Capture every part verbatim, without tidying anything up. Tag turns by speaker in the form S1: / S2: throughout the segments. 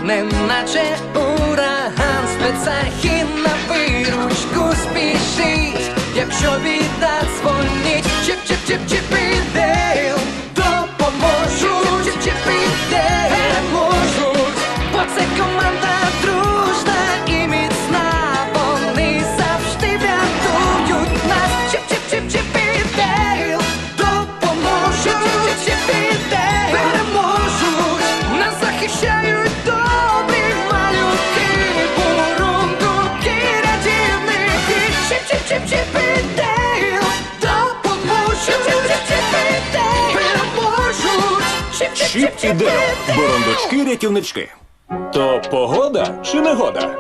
S1: неначе ураган, спецахін на виручку спішить, якщо біда дзвонить. Чіп-чіп-чіп-чіп і Дейл допоможуть, чіп-чіп і Дейл переможуть, бо це команда дружна і міцна, вони завжди врятують нас. Чіп-чіп-чіп-чіп і Дейл допоможуть, чіп-чіп і Дейл переможуть, нас захищають добрі малюки, бурундуки, рятівники. Чіп-чіп-чіп-чіп і Дейл допоможуть, чіп-чіп-чіп і Дейл переможуть.
S2: Чіп і Дейл. Бурундучки-рятівнички. То погода чи негода?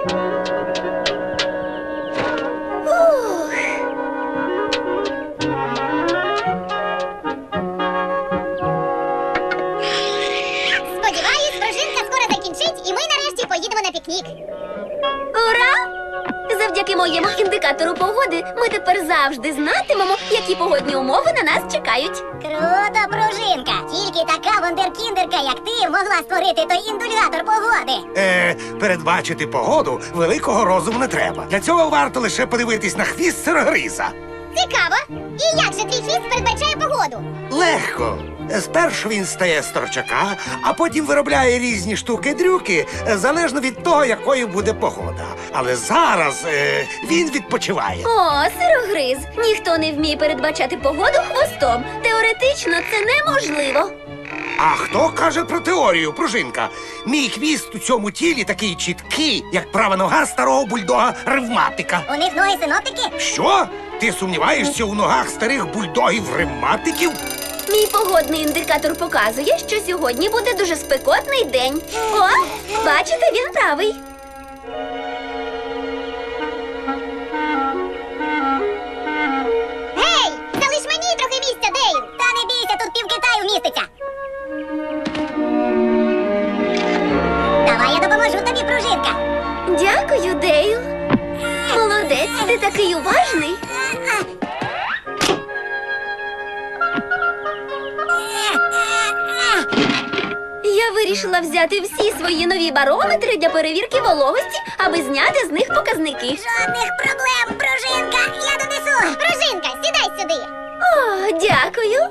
S3: Сподіваюсь, пружинка скоро закінчить, і ми нарешті поїдемо на пікнік.
S4: Ура! Завдяки моєму індикатору погоди ми тепер завжди знатимемо, які погодні умови на нас чекають.
S3: Круто, пружинка! Тільки така вундеркіндерка, як ти, могла створити той індулятор погоди.
S5: Е, передбачити погоду великого розуму не треба. Для цього варто лише подивитись на хвіст сирогриза.
S3: Цікаво! І як же твій хвіст передбачає погоду?
S5: Легко. Спершу він стає з торчака, а потім виробляє різні штуки-дрюки, е, залежно від того, якою буде погода. Але зараз е, він відпочиває.
S4: О, сирогриз! Ніхто не вміє передбачати погоду хвостом. Теоретично це неможливо.
S5: А хто каже про теорію, пружинка? Мій хвіст у цьому тілі такий чіткий, як права нога старого бульдога-ревматика.
S3: У них ноги синоптики?
S5: Що? Ти сумніваєшся у ногах старих бульдогів-ревматиків?
S4: Мій погодний індикатор показує, що сьогодні буде дуже спекотний день. О, бачите, він правий.
S3: Гей! Залиш мені трохи місця, Дейл! Та не бійся, тут пів Китаю вміститься. Давай я допоможу тобі, пружинка.
S4: Дякую, Дейл. Молодець, ти такий уважний. Я вирішила взяти всі свої нові барометри для перевірки вологості, аби зняти з них показники.
S3: Жодних проблем, пружинка! Я донесу! Пружинка, сідай сюди!
S4: О, дякую.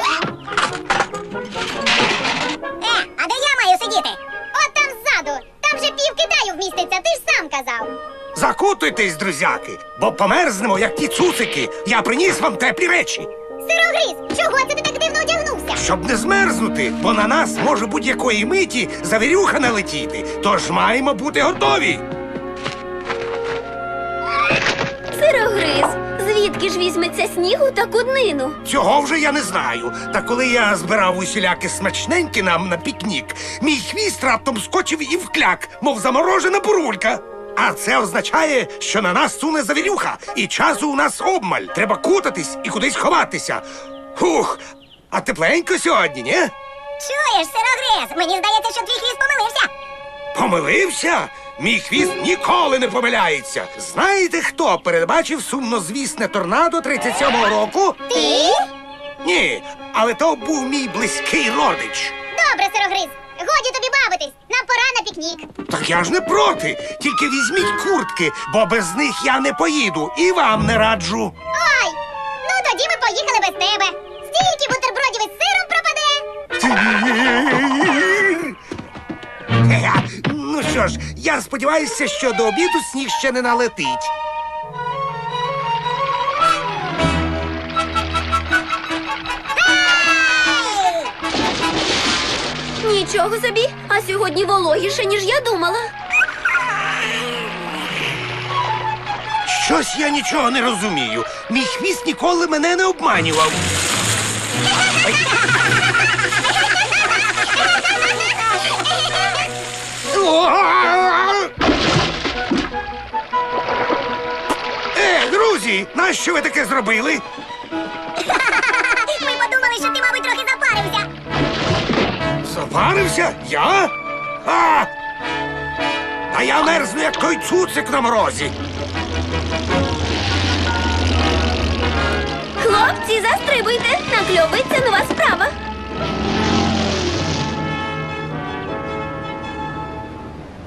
S3: Е, а де я маю сидіти? От там ззаду! Там же пів Китаю вміститься, ти ж сам казав!
S5: Закутуйтесь, друзяки, бо померзнемо, як ті цуцики. Я приніс вам теплі речі.
S3: Сирогриз, чого це ти так дивно одягнувся?
S5: Щоб не змерзнути, бо на нас може будь-якої миті завірюха налетіти. Тож маємо бути готові.
S4: Сирогриз, звідки ж візьметься снігу таку днину?
S5: Цього вже я не знаю. Та коли я збирав усіляки смачненькі нам на пікнік, мій хвіст раптом скочив і вкляк, мов заморожена бурулька. А це означає, що на нас суне завірюха, і часу у нас обмаль. Треба кутатись і кудись ховатися. Хух, а тепленько сьогодні, ні?
S3: Чуєш, сирогриз, мені здається, що твій хвіст помилився.
S5: Помилився? Мій хвіст ніколи не помиляється. Знаєте, хто передбачив сумнозвісне торнадо тридцять сьомого року?
S3: Ти?
S5: Ні, але то був мій близький родич.
S3: Добре, сирогриз, годі тобі бавитись, нам пора на пікнік.
S5: Так я ж не проти, тільки візьміть куртки, бо без них я не поїду і вам не раджу.
S3: Ой, ну тоді ми поїхали без тебе. Стільки бутербродів із сиром пропаде.
S5: Е, Ну що ж, я сподіваюся, що до обіду сніг ще не налетить.
S4: Нічого собі, а сьогодні вологіше, ніж я думала.
S5: Щось я нічого не розумію. Мій хвіст ніколи мене не обманював. Ай. Е, друзі, нащо ви таке зробили?
S3: Ми подумали, що ти, мабуть, трохи запарився.
S5: Запарився? Я? А! А я мерзну, як той цуцик на морозі.
S4: Хлопці, застрибуйте, накльовується нова справа.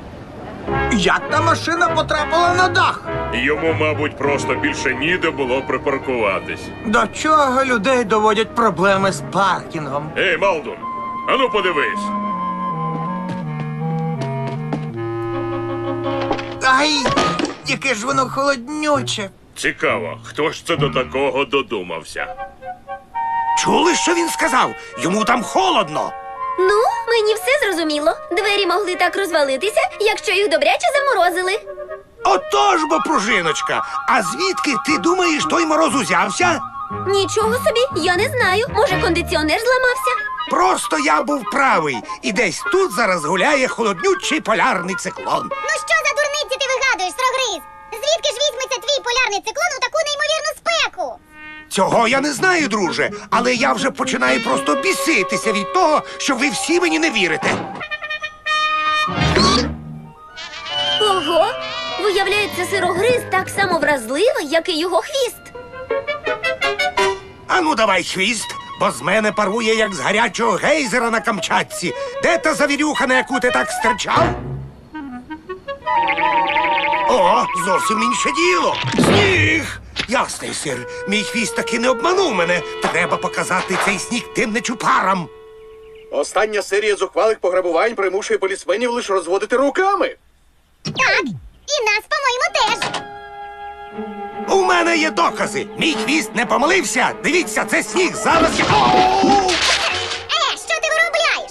S6: Як та машина потрапила на дах?
S7: Йому, мабуть, просто більше ніде було припаркуватись.
S6: До чого людей доводять проблеми з паркінгом?
S7: Ей, Малдун, ану подивись.
S6: Ай, яке ж воно холоднюче.
S7: Цікаво, хто ж це до такого додумався?
S5: Чули, що він сказав? Йому там холодно.
S4: Ну, мені все зрозуміло. Двері могли так розвалитися, якщо їх добряче заморозили.
S5: Отож бо, пружиночка. А звідки ти думаєш, той мороз узявся?
S4: Нічого собі, я не знаю. Може, кондиціонер зламався?
S5: Просто я був правий. І десь тут зараз гуляє холоднючий полярний циклон.
S3: Ну що за дурниці ти вигадуєш, строгриз? Звідки ж візьметься твій полярний циклон у таку неймовірну спеку?
S5: Цього я не знаю, друже, але я вже починаю просто біситися від того, що ви всі мені не вірите.
S4: Ого! Виявляється, сирогриз так само вразливий, як і його хвіст.
S5: Ану, давай хвіст, бо з мене парує, як з гарячого гейзера на Камчатці. Де та завірюха, на яку ти так стирчав? О, зовсім інше діло. Сніг! Ясний сир, мій хвіст таки не обманув мене. Треба показати цей сніг тим нечупарам.
S8: Остання серія зухвалих пограбувань примушує полісменів лише розводити руками.
S3: Так, і нас, по-моєму, теж.
S5: У мене є докази. Мій хвіст не помилився. Дивіться, це сніг. Зараз я... Оу!
S3: Е, що ти виробляєш?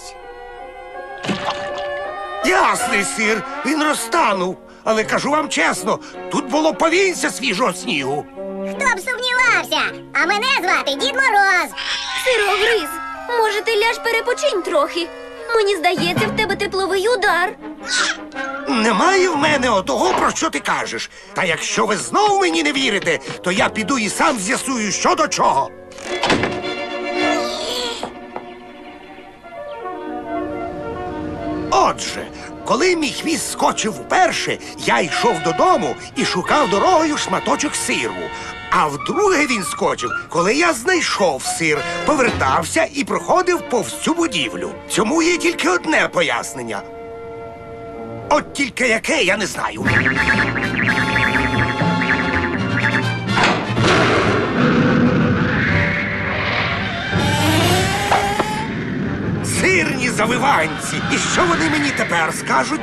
S5: Ясний сир, він розтанув. Але кажу вам чесно, тут було повінця свіжого снігу.
S3: Хто б сумнівався? А мене звати Дід Мороз.
S4: Сирогриз, може, ти ляж перепочинь трохи? Мені здається, в тебе тепловий удар.
S5: Немає в мене отого, про що ти кажеш. Та якщо ви знову мені не вірите, то я піду і сам з'ясую, що до чого. Отже, коли мій хвіст скочив вперше, я йшов додому і шукав дорогою шматочок сиру. А вдруге він скочив, коли я знайшов сир, повертався і проходив повз цю будівлю. Цьому є тільки одне пояснення. От тільки яке, я не знаю. Сирні завиванці. І що вони мені тепер скажуть?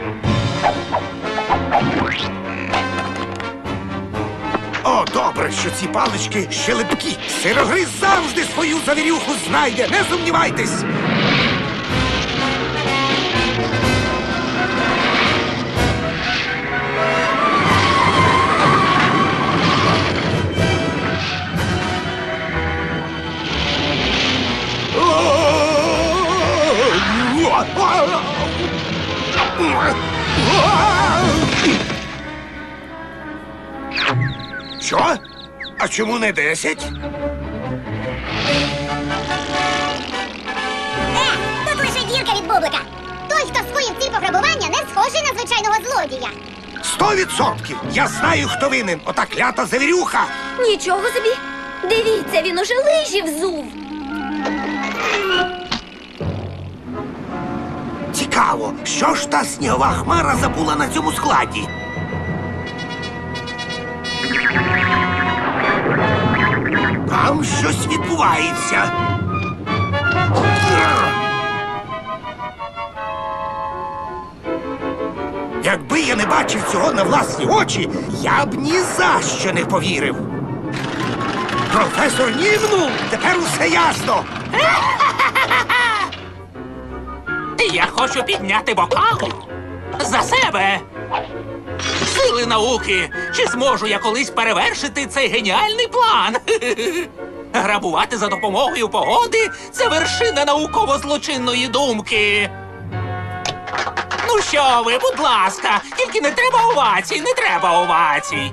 S5: О, добре, що ці палички ще липкі. Сирогриз завжди свою завірюху знайде, не сумнівайтесь. Що? А чому не десять?
S3: Е, тут лише дірка від бублика. Той, хто скоїв ці пограбування, не схожий на звичайного злодія.
S5: Сто відсотків! Я знаю, хто винен. Ота клята завірюха.
S4: Нічого собі. Дивіться, він уже лижі взув.
S5: Цікаво, що ж та снігова хмара забула на цьому складі? Там щось відбувається. Якби я не бачив цього на власні очі, я б ні за що не повірив. Професор нівнув, тепер усе ясно.
S9: Я хочу підняти бокал за себе. Сили науки, чи зможу я колись перевершити цей геніальний план? Грабувати за допомогою погоди – це вершина науково-злочинної думки. Ну що ви, будь ласка, тільки не треба овацій, не треба овацій.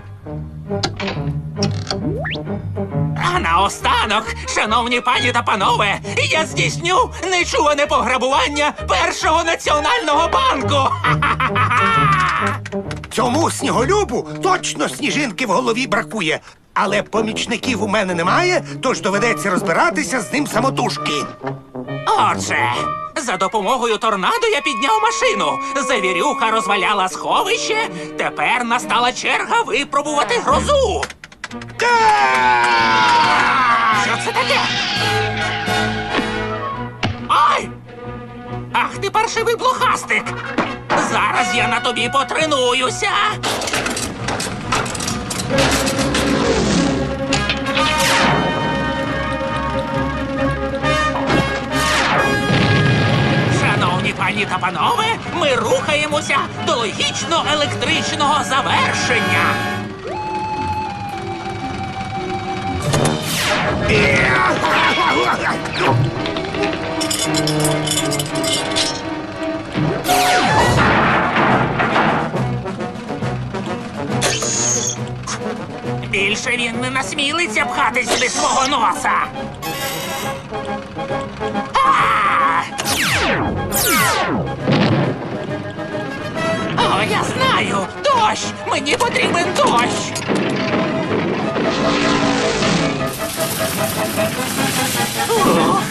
S9: А наостанок, шановні пані та панове, я здійсню нечуване пограбування першого національного банку.
S5: Цьому сніголюбу точно сніжинки в голові бракує. Але помічників у мене немає, тож доведеться розбиратися з ним самотужки.
S9: Отже, за допомогою торнадо я підняв машину. Завірюха розваляла сховище. Тепер настала черга випробувати грозу. Що це таке? Ай! Ах ти паршивий блохастик! Зараз я на тобі потренуюся. Шановні пані та панове, ми рухаємося до логічно-електричного завершення. Більше він не насмілиться пхати сюди свого носа. А! О, я знаю! Дощ! Мені потрібен дощ! Ух.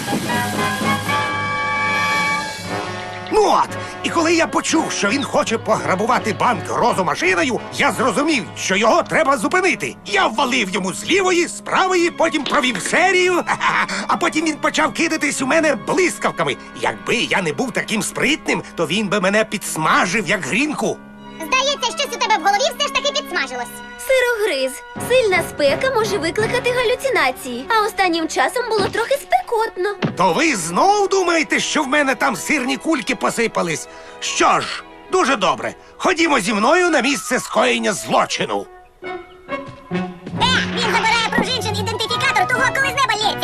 S5: Ну от, і коли я почув, що він хоче пограбувати банк грозомашиною, я зрозумів, що його треба зупинити. Я ввалив йому з лівої, з правої, потім провів серію, ха-ха, а потім він почав кидатись у мене блискавками. Якби я не був таким спритним, то він би мене підсмажив, як грінку.
S3: Здається, щось у тебе в голові все ж таки підсмажилось.
S4: Сирогриз. Сильна спека може викликати галюцинації, а останнім часом було трохи спекотно.
S5: То ви знов думаєте, що в мене там сирні кульки посипались? Що ж, дуже добре. Ходімо зі мною на місце скоєння злочину.
S3: Е, він забирає пружинчин ідентифікатор того, коли з неба лється.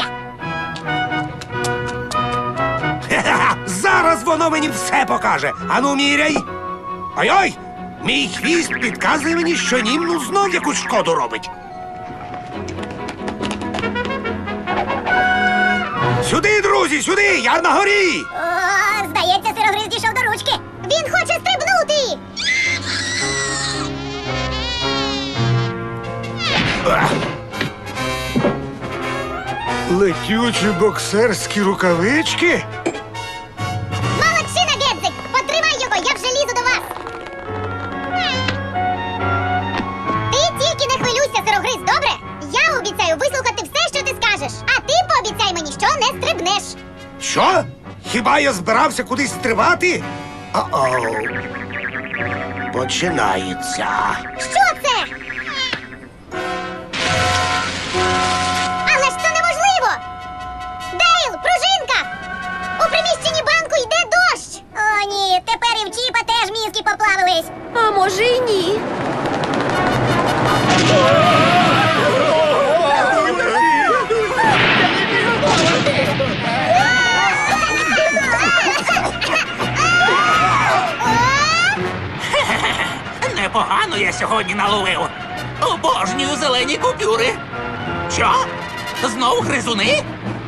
S5: Хе-хе-хе, зараз воно мені все покаже. Ану, міряй. Ой-ой, мій хвіст підказує мені, що німну знов якусь шкоду робить. Сюди, друзі, сюди, я на горі.
S3: О, здається, сирогриз дійшов до ручки. Він хоче стрибнути.
S5: Летючі боксерські рукавички?
S3: Молодчина, Гедзик! Потримай його, я вже лізу до вас. Ти тільки не хвилюйся, сирогриз, добре? Я обіцяю вислухати все, що ти скажеш. А ти пообіцяй мені, що не стрибнеш.
S5: Що? Хіба я збирався кудись стрибати? О-оу. Починається.
S3: Що це? Але ж це неможливо! Дейл, пружинка! У приміщенні банку йде дощ! О, ні, тепер і в Чіпа теж мізки поплавились.
S4: А може й ні.
S9: Непогано я сьогодні наловив. Обожнюю зелені купюри. Що? Знов гризуни?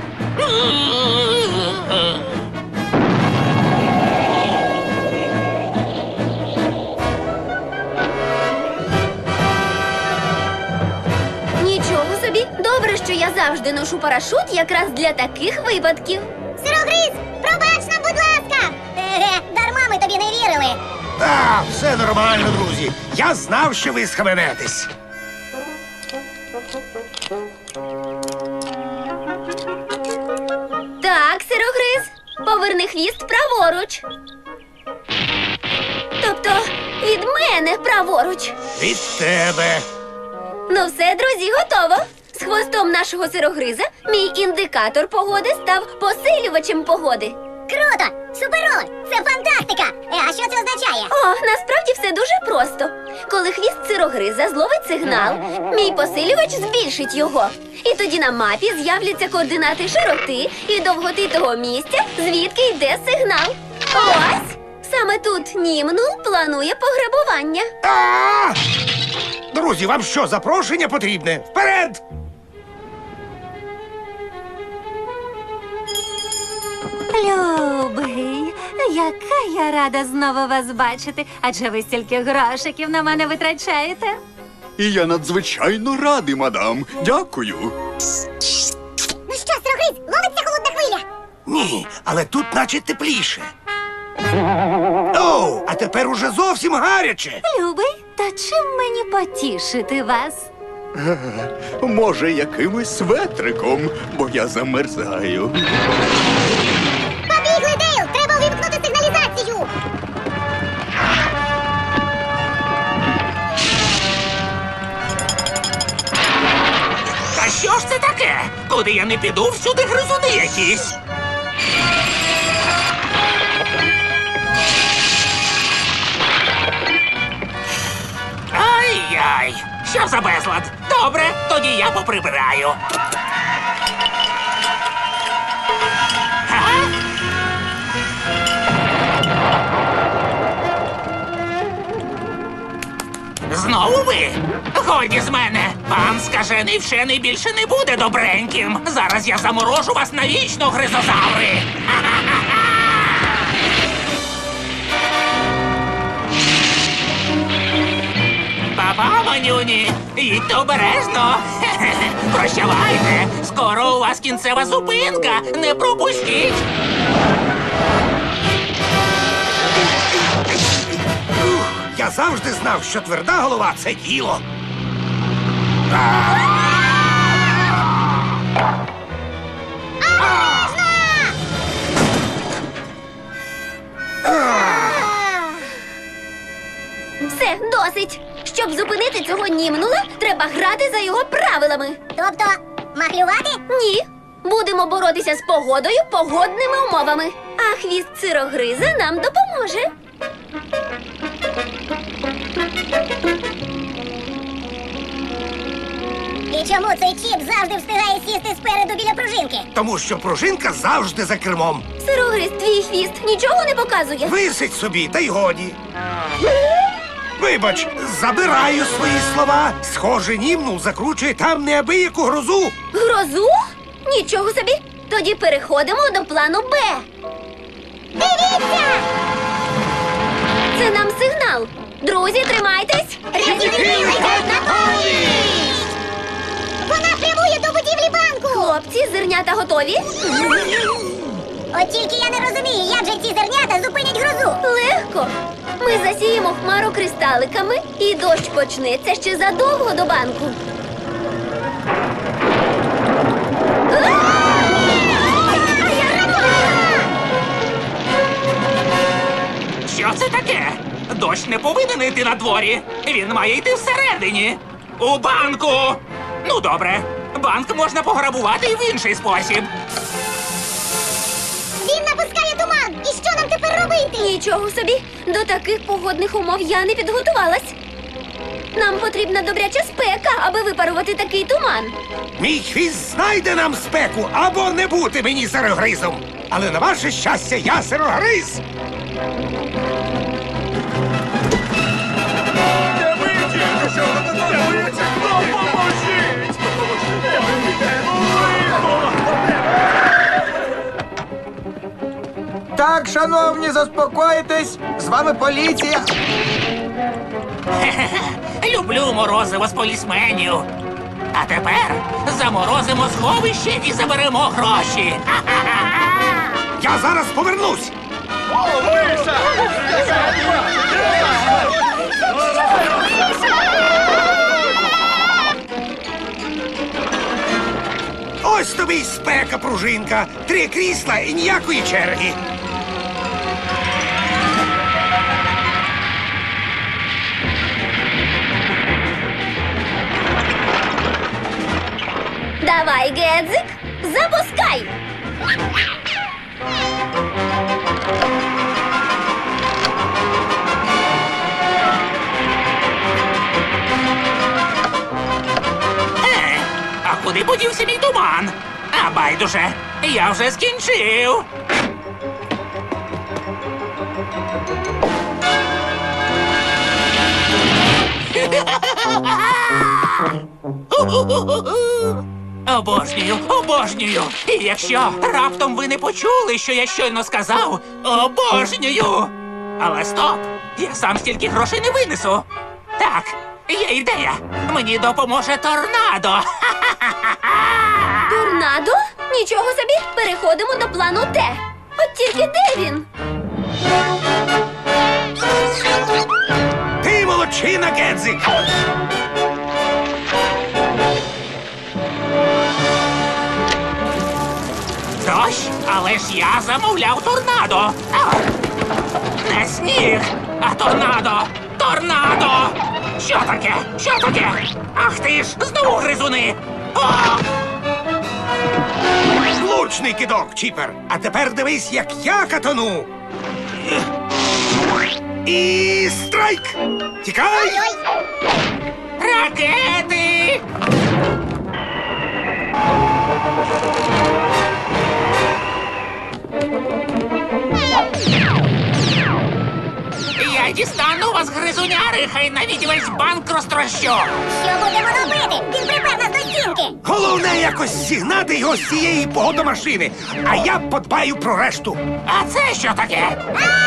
S4: Нічого собі. Добре, що я завжди ношу парашут якраз для таких випадків.
S3: Сирогриз, пробач нам, будь ласка! Еге, дарма ми тобі не вірили.
S5: А, все нормально, друзі. Я знав, що ви схаменетесь.
S4: Так, сирогриз, поверни хвіст праворуч. Тобто від мене праворуч.
S5: Від тебе.
S4: Ну все, друзі, готово. З хвостом нашого сирогриза мій індикатор погоди став посилювачем погоди.
S3: Круто! Суперово! Це фантастика! Е, а що це означає?
S4: О, насправді все дуже просто. Коли хвіст сирогриза зловить сигнал, мій посилювач збільшить його. І тоді на мапі з'являться координати широти і довготи того місця, звідки йде сигнал. Ось! Саме тут Німнул планує пограбування.
S5: А! Друзі, вам що, запрошення потрібне? Вперед!
S10: Любий, яка я рада знову вас бачити, адже ви стільки грошиків на мене витрачаєте.
S11: І я надзвичайно радий, мадам. Дякую.
S3: Ну що, сирогриз, ловиться холодна хвиля?
S5: Ні, але тут наче тепліше. Оу, а тепер уже зовсім гаряче.
S10: Любий, та чим мені потішити вас?
S11: Може, якимось светриком, бо я замерзаю.
S3: Побігли, Дейл! Треба увімкнути сигналізацію!
S9: Та що ж це таке? Куди я не піду, всюди гризуни якісь. Ай-яй! Що за безлад? Добре, тоді я поприбираю. А? Знову ви? Годі з мене! Пан скажений вчений більше не буде добреньким. Зараз я заморожу вас навічно, гризозаври! Па-па, манюні! Їдьте обережно! Прощавайте! Скоро у вас кінцева зупинка! Не пропустіть!
S5: Я завжди знав, що тверда голова – це діло.
S4: Все, досить. Щоб зупинити цього німнула, треба грати за його правилами.
S3: Тобто, махлювати?
S4: Ні. Будемо боротися з погодою погодними умовами. А хвіст сирогриза нам допоможе.
S3: І чому цей чіп завжди встигає сісти спереду біля пружинки?
S5: Тому що пружинка завжди за кермом.
S4: Сирогриз, твій хвіст нічого не показує.
S5: Висить собі, та й годі. Вибач, забираю свої слова. Схоже, німнул закручує там неабияку грозу.
S4: Грозу? Нічого собі. Тоді переходимо до плану Б.
S3: Дивіться!
S4: Це нам сигнал. Друзі, тримайтесь.
S3: Рятівники летять на поміч! Вона прямує до будівлі банку!
S4: Хлопці, зернята готові?
S3: От тільки я не розумію, як же ці зернята зупинять грозу.
S4: Легко. Ми засіємо хмару кристаликами, і дощ почнеться ще задовго до банку.
S9: Що це таке? Дощ не повинен йти на дворі. Він має йти всередині. У банку. Ну, добре. Банк можна пограбувати і в інший спосіб.
S3: Він напускає туман! І що нам тепер робити?
S4: Нічого собі. До таких погодних умов я не підготувалась. Нам потрібна добряча спека, аби випарувати такий туман.
S5: Мій хвіст знайде нам спеку, або не бути мені сирогризом. Але на ваше щастя, я сирогриз.
S6: Так, шановні, заспокойтесь. З вами поліція.
S9: Люблю морозиво з полісменів. А тепер заморозимо сховище і заберемо гроші.
S5: Я зараз повернусь. Ось тобі й спека, пружинка. Три крісла і ніякої черги.
S4: Давай, Гедзик, запускай!
S9: Е, а куди подівся мій туман? А байдуже, я вже скінчив. Обожнюю, обожнюю. І якщо раптом ви не почули, що я щойно сказав, обожнюю. Але стоп! Я сам стільки грошей не винесу. Так, є ідея. Мені допоможе торнадо.
S4: Торнадо? Торнадо? Нічого собі, переходимо до плану Т. От тільки де він?
S5: Ти молодчина, Гедзик!
S9: Дощ, але ж я замовляв торнадо. А, не сніг, а торнадо! Торнадо! Що таке? Що таке? Ах ти ж, знову гризуни! О!
S5: Влучний кидок, Чіпер! А тепер дивись, як я катану! І страйк! Тікай!
S9: Ракети! Я дістану вас, гризуняри, хай навіть весь банк розтрощу!
S3: Що будемо робити? Він припер нас до стінки.
S5: Головне якось зігнати його з цієї погодомашини, а я подбаю про решту.
S9: А це що таке?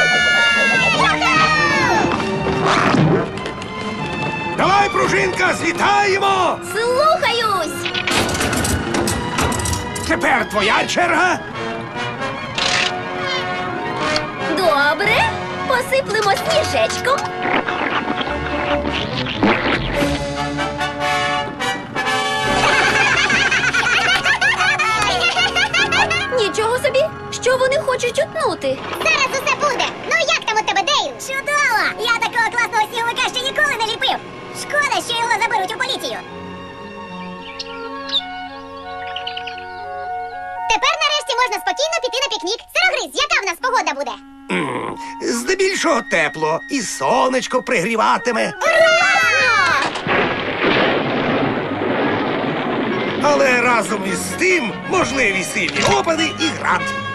S5: Давай, пружинка, злітаємо!
S4: Слухаюсь!
S5: Тепер твоя черга.
S4: Добре, посиплемо сніжечком. Нічого собі, що вони хочуть утнути?
S3: Зараз усе буде. Ну як там у тебе, Дейл? Чудово! Я такого класного сніговика ще ніколи не ліпив. Шкода, що його заберуть у поліцію. Тепер нарешті можна спокійно піти на пікнік. Сирогриз, яка в нас погода буде?
S5: М, Здебільшого тепло, і сонечко пригріватиме. Але разом із тим можливі сильні опади і град.